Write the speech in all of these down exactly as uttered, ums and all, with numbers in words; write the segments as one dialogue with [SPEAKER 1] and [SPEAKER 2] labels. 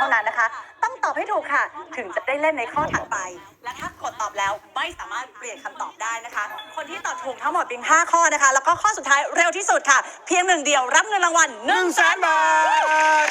[SPEAKER 1] านั้นนะคะต้องตอบให้ถูกค่ะถึงจะได้เล่นในข้อถัดไปและถ้ากดตอบแล้วไม่สามารถเปลี่ยนคำตอบได้นะคะคนที่ตอบถูกทั้งหมดเพียงห้าข้อนะคะแล้วก็ข้อสุดท้ายเร็วที่สุดค่ะเพียงหนึ่งเดียวรับเงินรางวัลหนึ่งแสนบาท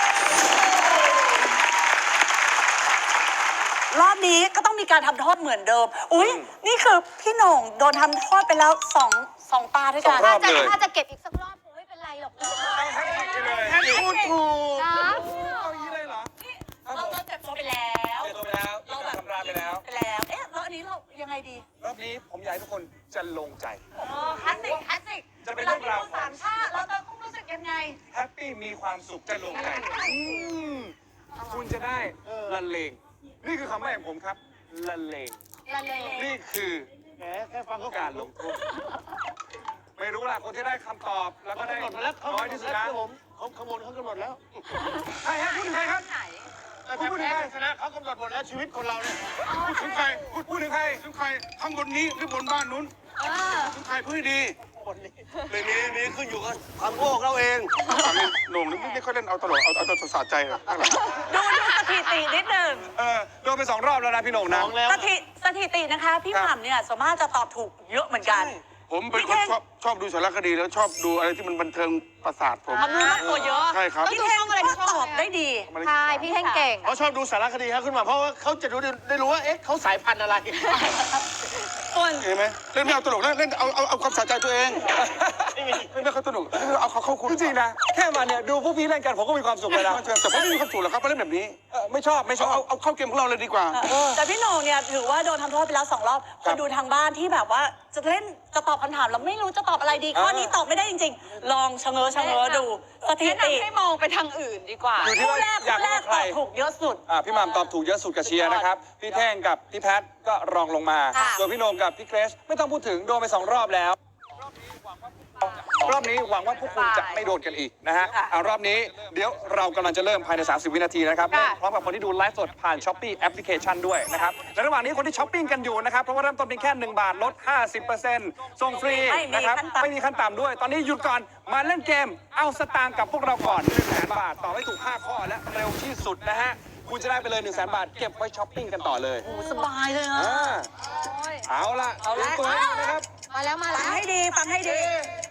[SPEAKER 1] รอบนี้ก็ต้องมีการทำโทษเหมือนเดิมอุ้ยนี่คือพี่โหน่งโดนทำโทษไปแล้วสองสองตาด้วยกัน
[SPEAKER 2] ถ้าจะถ้าจะเก็บอีกสักรอบคงไม่เป็นไรหรอก
[SPEAKER 3] แค่พูดถูก
[SPEAKER 2] นะ
[SPEAKER 3] เอาอย่างนี้เลยเหรอ
[SPEAKER 1] เราเราเจ็บตัวไปแล้ว
[SPEAKER 3] เจอตัวไปแล้วเราแบบทำร้ายไปแล้ว
[SPEAKER 1] ไปแล้วเอ๊ะแล้วอันนี้เรายังไงดี
[SPEAKER 3] รอบนี้ผมอยากให้ทุกคนจะลงใจ
[SPEAKER 1] อ๋อคลาสสิกคลาสสิก
[SPEAKER 3] จะเป็นเรื่องราว
[SPEAKER 1] วลที่สามชาติเราจะต้องรู้สึกยังไง
[SPEAKER 3] แฮปปี้มีความสุขจะลงใจอืมคุณจะได้ละเลงนี่คือคำแรกของผมครับละเลง
[SPEAKER 2] ละเลง
[SPEAKER 3] นี่คือ
[SPEAKER 4] แหมแค่ฟังเขา
[SPEAKER 3] การลงโทษไม่รู้ล่ะคนที่ได้คำตอบแล้วก็ได้
[SPEAKER 4] กำหนดมาแล้วเขา
[SPEAKER 3] น้อยที่สุด
[SPEAKER 4] แล้
[SPEAKER 3] นะ
[SPEAKER 4] วผมเขาขบวนเขากำหนดแล้ว
[SPEAKER 3] ใครฮะพูดถึงใครครับ
[SPEAKER 4] แต่ถ้าแพ้ชนะเขากำหนดหมดแล้วชีวิตคนเราเนี่ยพูดถึงใคร
[SPEAKER 3] พูดพูดถึงใคร
[SPEAKER 4] ถึงใครข้างบนนี้หรือบนบ้านนู้น
[SPEAKER 2] เออ
[SPEAKER 4] ถึงใครพูดดีบนนี้เลยนี้นี้ขึ้นอยู่กับความโง่เราเองโหน่งนี่ไม่ค่อยเล่นเอาตลกเอาเอาตัวสะใจหรอก
[SPEAKER 1] ดูดูสถิตินิดหนึ่ง
[SPEAKER 3] เออโดนไปสองรอบแล้วนะพี่โหน่งนะ
[SPEAKER 4] น้องแล้ว
[SPEAKER 1] สถิสถิตินะคะ พี่หม่ำเนี่ยส่วนมากจะตอบถูกเยอะเหมือนกัน
[SPEAKER 4] ผมเป็นคนชอบชอบดูสารคดีแล้วชอบดูอะไรที่มันบันเทิงประสาทผม
[SPEAKER 1] ความรู้รอบตัวเยอะ
[SPEAKER 4] ใช่ครับ
[SPEAKER 1] พี่เท่งก็ตอบได้ดี
[SPEAKER 2] ใช่พี่เท่งเก่ง
[SPEAKER 4] เขาชอบดูสารคดีครับขึ้นมาเพราะว่าเขาจะรู้ได้รู้ว่าเอ๊ะเขาสายพันธุ์อะไร
[SPEAKER 1] ส่วน
[SPEAKER 4] เห็นไหมเล่นไม่เอาตลกเล่นเล่นเอาเอาเอาความสะใจตัวเองเล่นไม่เขาตลกเอาเขาเข้าคุณ
[SPEAKER 3] จริงๆนะแค่มาเนี่ยดูพวกพี่เล่นกันผมก็มีความสุขเลยนะ
[SPEAKER 4] แต่ผมไม่มีความสุขหรอกครับเพราะเล่นแบบนี้
[SPEAKER 3] เออไม่ชอบไม่ช
[SPEAKER 4] เอา
[SPEAKER 3] อบ
[SPEAKER 4] เอาเอาเข้าเกมของเราเลยดีกว่า
[SPEAKER 1] แต่พี่โหน่งเนี่ยถือว่าโดนทำโทษไปแล้วสองรอบคนดูทางบ้านที่แบบว่าจะเล่นจะตอบคำถามแล้วไม่รู้จะตอบอะไรดีข้อนี้ตอบไม่ได้จริงๆ ลองชะเง้อชะเง้อดูสถิติ
[SPEAKER 2] ให้มองไปทางอื่นดีกว่า
[SPEAKER 3] อยู่ที่
[SPEAKER 1] คู่
[SPEAKER 3] ว่า
[SPEAKER 1] แรก
[SPEAKER 3] อยาก
[SPEAKER 1] คู่แร
[SPEAKER 3] รู้
[SPEAKER 1] ก
[SPEAKER 3] ใค
[SPEAKER 1] ต
[SPEAKER 3] ร
[SPEAKER 1] อบถูกเยอะสุด
[SPEAKER 3] อ่าพี่หม่ำตอบถูกเยอะสุดกับเชียร์นะครับพี่แท่งกับพี่แพทก็รองลงมา
[SPEAKER 2] ค่ะ
[SPEAKER 3] ส่วนพี่โหน่งกับพี่เกรซไม่ต้องพูดถึงโดนไปสองรอบแล้ว รอบนี้หวังว่าพวกคุณจะไม่โดนกันอีกนะฮะ
[SPEAKER 1] ค่ะ
[SPEAKER 3] เอารอบนี้เดี๋ยวเรากำลังจะเริ่มภายใน สามสิบ วินาทีนะครับ
[SPEAKER 2] ค่ะ
[SPEAKER 3] เริ่มพร้อมกับคนที่ดูไลฟ์สดผ่าน Shopee แอปพลิเคชันด้วยนะครับและระหว่างนี้คนที่ช้อปปิ้งกันอยู่นะครับ เพราะว่าเริ่มต้นเพียงแค่หนึ่งบาทลด ห้าสิบเปอร์เซ็นต์ ส่งฟรี
[SPEAKER 1] ไม่มี
[SPEAKER 3] นะครับ
[SPEAKER 1] ขั้นต่ำ
[SPEAKER 3] ไม่มีขั้นต่ำด้วย ตอนนี้หยุดก่อนมาเล่นเกม เอาสตางค์กับพวกเราก่อนหนึ่งแสนบาท ต่อให้ถูกห้าข้อและเร็วที่สุดนะฮะ คุณจะได้ไปเลยหนึ่งแสนบาทเก็บไว้ช้อปปิ้งกันต่อเลย
[SPEAKER 1] โอ้สบายเลยนะ
[SPEAKER 3] อ่าเอาล่ะ
[SPEAKER 1] เอาละ
[SPEAKER 3] ตัวให้ดูนะครับ
[SPEAKER 2] มาแล้วมา
[SPEAKER 1] ฟั
[SPEAKER 2] แล้
[SPEAKER 1] ง
[SPEAKER 2] ว
[SPEAKER 1] ให้ดีฟังให้ดี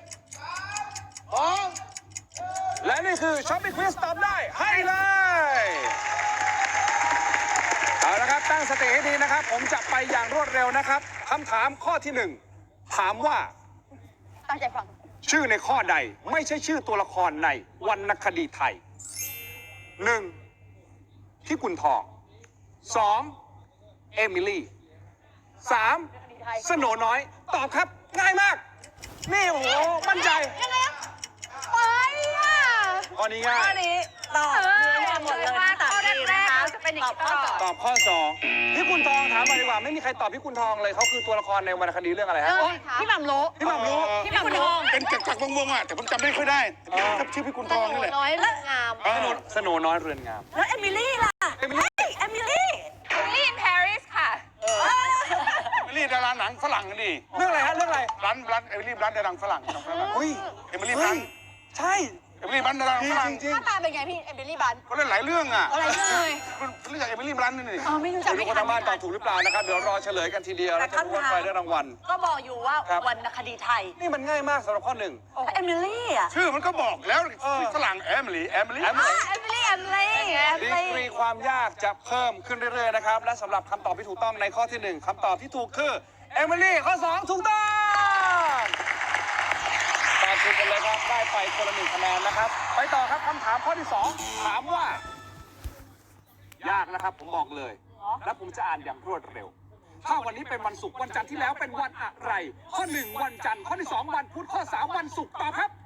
[SPEAKER 3] และนี่คือช้อปปิ้งควิสตอบได้ให้เลย เอาละครับตั้งสติให้ดีนะครับ ผมจะไปอย่างรวดเร็วนะครับคำถามข้อที่หนึ่งถามว่า
[SPEAKER 2] ตั้งใจฟัง
[SPEAKER 3] ชื่อในข้อใดไม่ใช่ชื่อตัวละครในวรรณคดีไทยหนึ่งที่กุนทองสองเอมิลี่สามสโหนน้อย ตอบครับง่ายมาก นี่โอ้โหมั่นใจ
[SPEAKER 2] ยังไงอะไปอ่ะ
[SPEAKER 3] ข้อนี้ง่า
[SPEAKER 1] ข้อย นี้ตอบเนื้อหมดเลยทั้งสามทีนะคะ
[SPEAKER 2] จะเป็นอย่าง
[SPEAKER 1] ตอบ
[SPEAKER 2] นี้
[SPEAKER 1] ข้อ
[SPEAKER 2] ตลอด
[SPEAKER 1] สอง
[SPEAKER 3] ตอบข้อสองพี่กุนทองถามมาดีกว่าไม่มีใครตอบพี่กุนทองเลยเขาคือตัวละครในวรรณคดีเรื่องอะไรฮะ
[SPEAKER 2] พี่หม่ำรู้
[SPEAKER 3] พี่หม่ำรู้
[SPEAKER 2] พี่หม่ำรู้
[SPEAKER 4] เป็นจักรจักรวงศ์ๆอ่ะแต่ผมจำไม่ค่อยได้ถ้าชื่อพี่กุลทองนี่แหละ
[SPEAKER 2] น้อยเรื่องงาม
[SPEAKER 4] เอ
[SPEAKER 3] สโหน
[SPEAKER 4] อ
[SPEAKER 3] สโหนน้อยเรือนงาม
[SPEAKER 1] แล้วเอมิลี่ล่ะ
[SPEAKER 3] เอมิลี่
[SPEAKER 1] เฮ้ยเอมิลี่
[SPEAKER 2] ลี่อินปารีสค่ะ
[SPEAKER 4] เอมิลี่ดาราหนังฝรั่งกันดิ
[SPEAKER 3] เรื่องอะไรฮะเรื่องอะไร
[SPEAKER 4] ร้านร้านเอมิลี่ร้านดาราฝรั่งหนังฝรั่ง
[SPEAKER 3] อุ้ย
[SPEAKER 4] เอมิลี่บลัน
[SPEAKER 3] ใช่
[SPEAKER 4] เอมิลี่บลันดาราฝรั่ง
[SPEAKER 3] จริง
[SPEAKER 2] หน้าตาเป็นไงพี่ เอมิลี่บัน
[SPEAKER 4] เขาเล่นหลายเรื่องอ่ะ
[SPEAKER 2] อะไรเลย
[SPEAKER 4] คุณรู้จักเอมิลี่บลันนี่นี่
[SPEAKER 2] อ๋อไม่รู้จัก
[SPEAKER 3] ไม่รู้
[SPEAKER 2] ไม่
[SPEAKER 3] คน
[SPEAKER 2] ทัน
[SPEAKER 3] ทางบ้านตอบถูกหรือเปล่านะครับ เดี๋ยวรอเฉลยกันทีเดียวแล้วจะรู้ว่าใครได้รางวัล
[SPEAKER 1] ก็บอกอยู่ว่า
[SPEAKER 3] ครับ
[SPEAKER 1] วรรณคดีไทย
[SPEAKER 3] นี่มันง่ายมากสำหรับข้อหนึ่ง
[SPEAKER 1] เอมิลี่อ่ะ
[SPEAKER 4] ชื่อมันก็บอกแล้วฝรั่งเอมิลี่เอมิลี่
[SPEAKER 3] แอมเลย
[SPEAKER 2] เอมิลี่เอมิลี่เอมิ
[SPEAKER 3] ดี
[SPEAKER 2] ลี่
[SPEAKER 3] กรีความยากจะเพิ่มขึ้นเรื่อยๆนะครับ และสำหรับคำตอบที่ถูกต้องในข้อที่หนึ่งคำตอบที่ถูกคือเอมิลี่ข้อสองถูกต้องตอบถูกกันเลยครับได้ไปคนละหนึ่งคะแนนนะครับ ไปต่อครับคำถามข้อที่สองถามว่า ยากนะครับผมบอกเลย และผมจะอ่านอย่างรวดเร็ว ถ้าวันนี้เป็นวันศุกร์วันจันทร์ที่แล้วเป็นวันอะไร ข้อหนึ่งวันจันทร์ข้อที่สองวันพุธข้อสามวันศุกร์ตอบครับ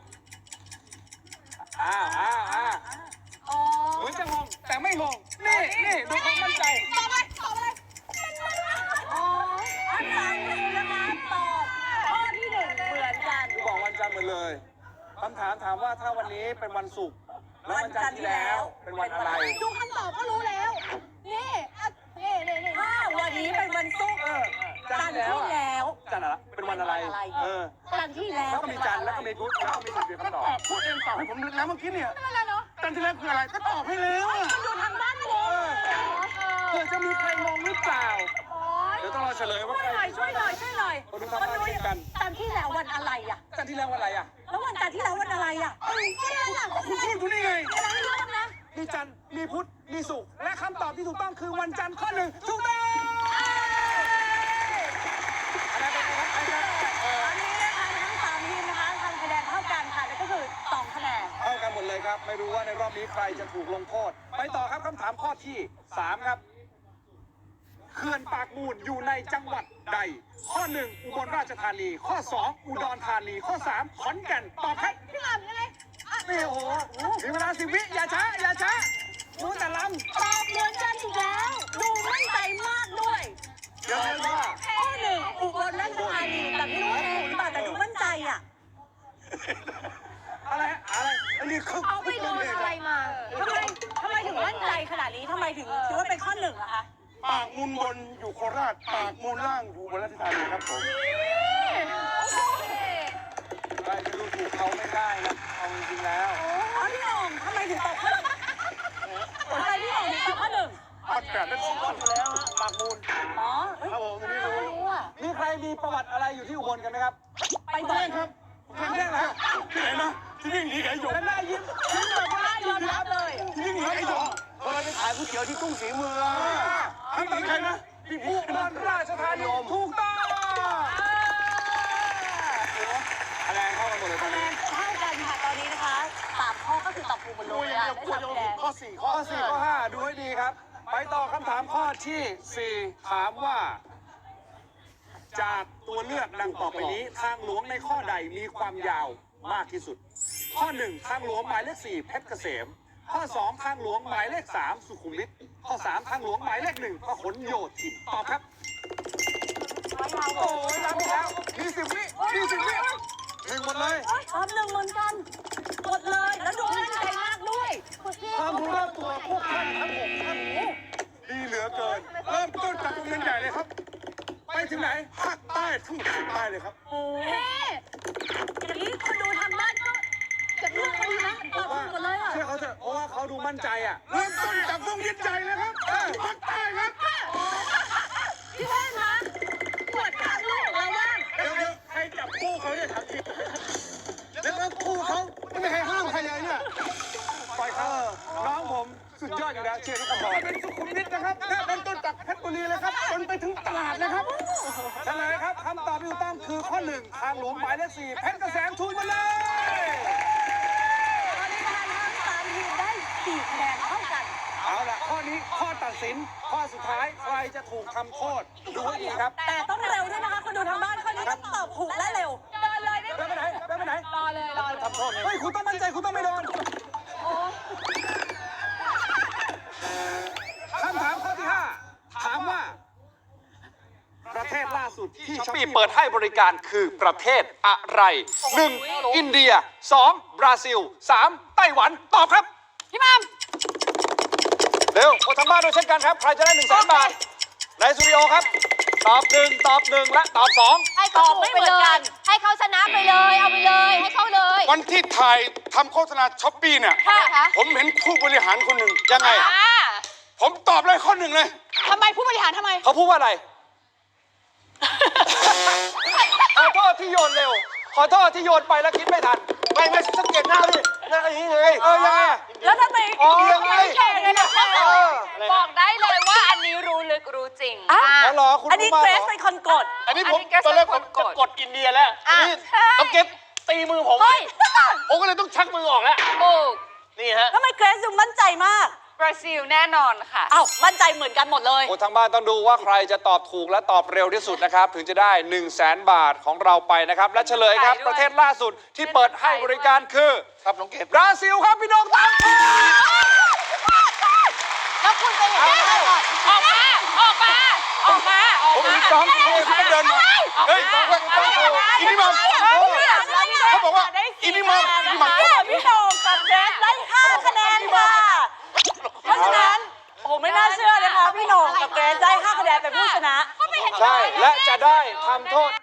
[SPEAKER 3] อ้าวอ้าวอ้าว
[SPEAKER 2] อ๋อ
[SPEAKER 3] เหมือนจะงงแต่ไม่งงนี่นี่ดูความมั่นใจ
[SPEAKER 2] ตอบเลยตอบเลยอ๋อ
[SPEAKER 1] อันนั้นนะคะตอบข้อที่หนึ่งเหมือนกัน
[SPEAKER 3] ดูบอกวันจันทร์หมดเลยคำถามถามว่าถ้าวันนี้เป็นวันศุกร์แล้ววันจันทร์ที่แล้วเป็นวันอะไร
[SPEAKER 2] ดูคำตอบก็รู้แล้ว นี่อ่ะนี่นี่นี่
[SPEAKER 1] ถ้าวันนี้เป็นวันศุกร์
[SPEAKER 3] เออ
[SPEAKER 1] จันทร์ที่แล้ว
[SPEAKER 3] จันทร์อะไรเป็นวันอะไร เออ
[SPEAKER 1] จันทร์ที่แล้ว
[SPEAKER 3] แล้วก็มีจันทร์แล้วก็มีพุธแล้วก็มีศุกร์เป็นคำตอบ
[SPEAKER 4] พูดเองตอบให้ผมแล้วเมื่อกี้เนี่ย
[SPEAKER 2] ไม่เป็นไรเนาะ
[SPEAKER 3] เ
[SPEAKER 4] จันที่แล้วคืออะไรก็ตอบให้แล้วอะ
[SPEAKER 2] ดูทางบ้านงง
[SPEAKER 3] เผื่อจะมีใครงงหรือเปล่า เดี๋ยวต้องรอเฉลยว่า
[SPEAKER 2] ช่วย
[SPEAKER 3] ใคร
[SPEAKER 2] หน่อยช่วยหน่อยช่วยหน่อย
[SPEAKER 3] คนดูทางบ้านเช่นกัน
[SPEAKER 2] จันที่แล้ววันอะไรอ่ะ
[SPEAKER 3] จันที่แล้ววันอะไรอ่ะ
[SPEAKER 2] แล้ววันจันทร์ที่แล้ววันอะไรอ่ะเอ้ยก็นั่นน่ะ
[SPEAKER 3] คุณพูดอยู่นี่ไง
[SPEAKER 2] อะไรเรื่องนะ
[SPEAKER 3] มีจันทร์มีพุธมีศุกร์และคำตอบที่ถูกต้องคือวันจันทร์ข้อหนึ่งถูกต้องอะไรเป็นไงครับไอ้ครับเออ
[SPEAKER 2] ตอนนี้นะคะทั้งสามทีมนะคะทำคะแนนเท่ากันค่ะนั่นก็คือสองคะแนน
[SPEAKER 3] เท่ากันหมดเลยครับ ไม่รู้ว่าในรอบนี้ใครจะถูกลงโทษ ไปต่อครับคำถามข้อที่สามครับเขื่อนปากมูลอยู่ในจังหวัดใด ข้อหนึ่งอุบลราชธานี ข้อสองอุดรธานี ข้อสามขอนแก่นตอบครับ
[SPEAKER 2] พี่หม่ำยังไงอ่ะ
[SPEAKER 3] นี่โอ้โหมีเวลาสิบวิอย่าช้าอย่าช้ารู้แต่ลำ
[SPEAKER 2] ตอบเหมือนกันอีกแล้ว ดูมั่นใจมากด้วย
[SPEAKER 3] เดี๋ยวเดี๋ยวว่า
[SPEAKER 2] ข้อหนึ่งอุบลราชธานีแต่ไม่รู้ว่าถูกหรือเปล่าแต่ดูมั่นใจอ่ะ
[SPEAKER 3] อะไรอะไร
[SPEAKER 4] อันนี้เขา
[SPEAKER 2] เอาไปโดนอะไรมาทำไมทำไมถึงมั่นใจขนาดนี้ทำไมถึงคิดว่าเป็นข้อหนึ่งอะคะ
[SPEAKER 4] ปากมูลบนอยู่โคราช ปากมูลล่างอยู่บนราชธานีครับผม
[SPEAKER 3] ใครจะดูถูกเขาไม่ได้นะเอาจริงๆแล้ว
[SPEAKER 2] อ๋อพี่หน่องทำไมถึงตอบข้อหนึ่งทำไมพี่หน่องถึงตอบข้อหนึ่ง
[SPEAKER 4] ปัดแปดเป็นสองคนอยู่แล้วฮะปากมูล
[SPEAKER 2] อ๋อเอ้ย
[SPEAKER 4] ครับผมอันนี้รู้
[SPEAKER 2] รู้อ่ะ
[SPEAKER 3] มีใครมีประวัติอะไรอยู่ที่อุบลกันไหมครับ
[SPEAKER 2] ไปบ่อย
[SPEAKER 4] ครับ
[SPEAKER 3] ครั้งแรกนะ
[SPEAKER 4] ที่ไหนนะที่นี่หนีไอ้หยก
[SPEAKER 3] และหน้ายิ้มยิ้มแบบว่า
[SPEAKER 2] ได้ยอมรับเลย
[SPEAKER 4] ที่นี่หนีไอ้หยกพอเราไปขายก๋วยเตี๋ยวที่ตุ้งสีเมืองทำเป็นใครนะพี่
[SPEAKER 3] อุ
[SPEAKER 4] พี่
[SPEAKER 3] บลราชธานีถูกต้องคะแนนเข้ากันหมดเลยตอ
[SPEAKER 2] คะ
[SPEAKER 3] น
[SPEAKER 2] แน
[SPEAKER 3] นี้
[SPEAKER 2] นเท่ากันค่ะตอนนี้นะคะสามข้อก็คือตอบถูกหมดเล
[SPEAKER 4] กู
[SPEAKER 2] ย
[SPEAKER 4] ยัง
[SPEAKER 2] อะ
[SPEAKER 4] เดียว
[SPEAKER 2] ได้
[SPEAKER 4] กู
[SPEAKER 2] สาม
[SPEAKER 4] ยัง
[SPEAKER 2] คะแนน
[SPEAKER 4] ข้อสี่ข้
[SPEAKER 3] ข้
[SPEAKER 4] อ
[SPEAKER 3] อสี่ข้อห้าดูให้ดีครับ ไปต่อคำถามข้อที่สี่ถามว่า จากตัวเลือกดังต่อไปนี้ ทางหลวงในข้อใดมีความยาวมากที่สุด ข้อหนึ่งทางหลวงหมายเลขสี่เพชรเกษม ข้อสองทางหลวงหมายเลขสามสุขุมวิทข้อสามทางหลวงหมายเลขหนึ่งพหลโยธินตอบครับ โอ้ยรับอีกแล้วมีสิบวิมีสิบวิหนึ่งหมดเลย
[SPEAKER 2] ตอบหนึ่งเหมือนกันหมดเลย แล้วดูมั่นใจมากด้วยคุณพี่
[SPEAKER 3] ความรู้รอบตัวพวกท่านทั้งหกท่าน
[SPEAKER 4] ดีเหลือเกิน เริ่มต้นจากโรงเรียนใหญ่เลยครับ
[SPEAKER 3] ไปถึงไหน
[SPEAKER 4] ภาคใต้ทั้งหมดภาคใต้เลยครับ
[SPEAKER 2] โอ้เฮ้อย่างนี้คนดูทางบ้านก็จะเลือกเขาดีนะตอบถูกหมดเลยอ่ะ
[SPEAKER 3] เชื่อเขาเถอะเพราะว่าเขาดูมั่นใจอ่ะ
[SPEAKER 4] เริ่มต้นจากโรงเรียนใหญ่เลยครับภาคใต้ครับ
[SPEAKER 2] พี่เท่นคะปวดทางลูกเราบ้าง
[SPEAKER 4] เดี๋ยวเดี๋ยวใครจับคู่เขาเนี่ยถามจริงแล้วก็คู่เขาไม่มีใครห้ามใครเลยเนี่ย
[SPEAKER 3] ปล่อยเขาน้องผมสุดยอดอยู่แล้วเชียร์ทุกคน
[SPEAKER 4] เป็นสุขุมวิทนะครับเริ่มต้นจากเพชรบุรีเลยครับจนไปถึงตลาดเลยครับ
[SPEAKER 3] เฉลยครับคำตอบที่ถูกต้องคือข้อหนึ่งทางหลวงหมายเลขสี่เพชรเกษมถูกหมาเลย
[SPEAKER 2] ตอนนี้นะคะทั้งสามทีมได้สี่คะแนนเท่ากัน
[SPEAKER 3] เอาล่ะข้อนี้ข้อตัดสินข้อสุดท้ายใครจะถูกทำโทษดูให้ดีครับ
[SPEAKER 2] แต่ต้องเร็วด้วยนะคะคนดูทางบ้านข้อนี้ต้องตอบถูกและเร็วเดินเลยได้
[SPEAKER 3] เดินไปไหนเดินไปไหน
[SPEAKER 2] รอเลยรอเลย
[SPEAKER 3] ทำโทษเฮ้ยคุณต้องมั่นใจคุณต้องไม่โดนคำถามข้อที่ห้าถามว่า ประเทศล่าสุดที่ช้อปปี้เปิดให้บริการคือประเทศอะไร หนึ่ง อินเดีย สอง บราซิล สาม ไต้หวัน ตอบครับ
[SPEAKER 2] พี่มัม
[SPEAKER 3] เร็วคนทางบ้านด้วยเช่นกันครับ ใครจะได้หนึ่งแสนบาท ในสตูดิโอครับ ตอบหนึ่งตอบหนึ่งและตอบสอง
[SPEAKER 5] ให้เขาถูกไปเลย ให้เขาชนะไปเลย เอาไปเลย ให้เขาเลย
[SPEAKER 4] วันที่ถ่ายทำโฆษณาช้อปปี้เนี่ย
[SPEAKER 5] ค่ะคะ
[SPEAKER 4] ผมเห็นผู้บริหารคนหนึ่งยังไง
[SPEAKER 5] อ่า
[SPEAKER 4] ผมตอบเลยข้อหนึ่งเลย
[SPEAKER 5] ทำไมผู้บริหารทำไม
[SPEAKER 3] เขาพูดว่าอะไร ขอโทษที่โยนเร็ว ขอโทษที่โยนไปแล้วคิดไม่ทัน
[SPEAKER 4] ไม่ไม่สังเกตหน้าดิหน้าอย่างนี้ไง
[SPEAKER 3] เออยังไงอะ
[SPEAKER 2] แล้วทำไม
[SPEAKER 3] อ๋อ
[SPEAKER 4] ยังไง
[SPEAKER 5] แข่งกันนะคะ
[SPEAKER 3] เออ
[SPEAKER 5] บอกได้เลยว่าอันนี้รู้ลึกรู้จริง
[SPEAKER 2] อ่ะ
[SPEAKER 3] อ๋อเหรอคุณ
[SPEAKER 2] อันนี้
[SPEAKER 3] รู้มา
[SPEAKER 2] เกร
[SPEAKER 3] เหร
[SPEAKER 2] ซ
[SPEAKER 3] อ
[SPEAKER 2] เป็นคนกด
[SPEAKER 4] อันนี้ผม
[SPEAKER 5] อันนี้แก
[SPEAKER 4] ตอนแรกผม
[SPEAKER 5] ก
[SPEAKER 4] จะ
[SPEAKER 5] ด
[SPEAKER 4] กดอินเดียแล้ว
[SPEAKER 5] อ่ะ
[SPEAKER 4] นี่ต้องเก็บตีมือผม
[SPEAKER 2] เฮ้ย
[SPEAKER 4] ผมก็เลยต้องชักมือออกแล้ว
[SPEAKER 5] ถูก
[SPEAKER 4] นี่ฮะ
[SPEAKER 2] ทำไมเกรซดูมั่นใจมาก
[SPEAKER 5] บราซิลแน่นอนค่ะ
[SPEAKER 2] อ้าว มั่นใจเหมือนกันหมดเลย
[SPEAKER 3] คนทางบ้านต้องดูว่าใครจะตอบถูกและตอบเร็วที่สุดนะครับ ถึงจะได้หนึ่งแสนบาทของเราไปนะครับ และเฉลยครับ
[SPEAKER 5] ด้วย
[SPEAKER 3] ประเทศล่าสุดที่เปิดให้บริการคือ
[SPEAKER 4] ครับน้องเก็บบ
[SPEAKER 3] ราซิลครับพี่น้องตามถูก
[SPEAKER 5] แล้วคุณไปเห็นได้ไงก่อนออกมา ออกมา ออกมา ออก
[SPEAKER 4] ผม
[SPEAKER 5] มา
[SPEAKER 4] มีสองคนที่ต้องเดินมาเฮ้ยสองคนต้องโทรอินิมัมเขาบอกว่าอินิมัมอินิมัม
[SPEAKER 2] พี่โหน่งกับเกรซได้ห้าคะแนนค่ะ เพราะฉะนั้น โอ้โหไม่น่าเชื่อนะคะ พี่โหน่งกับเกรซได้ห้าคะแนนเป็นผู้ชนะ
[SPEAKER 3] ใช่ และจะได้ทำโทษ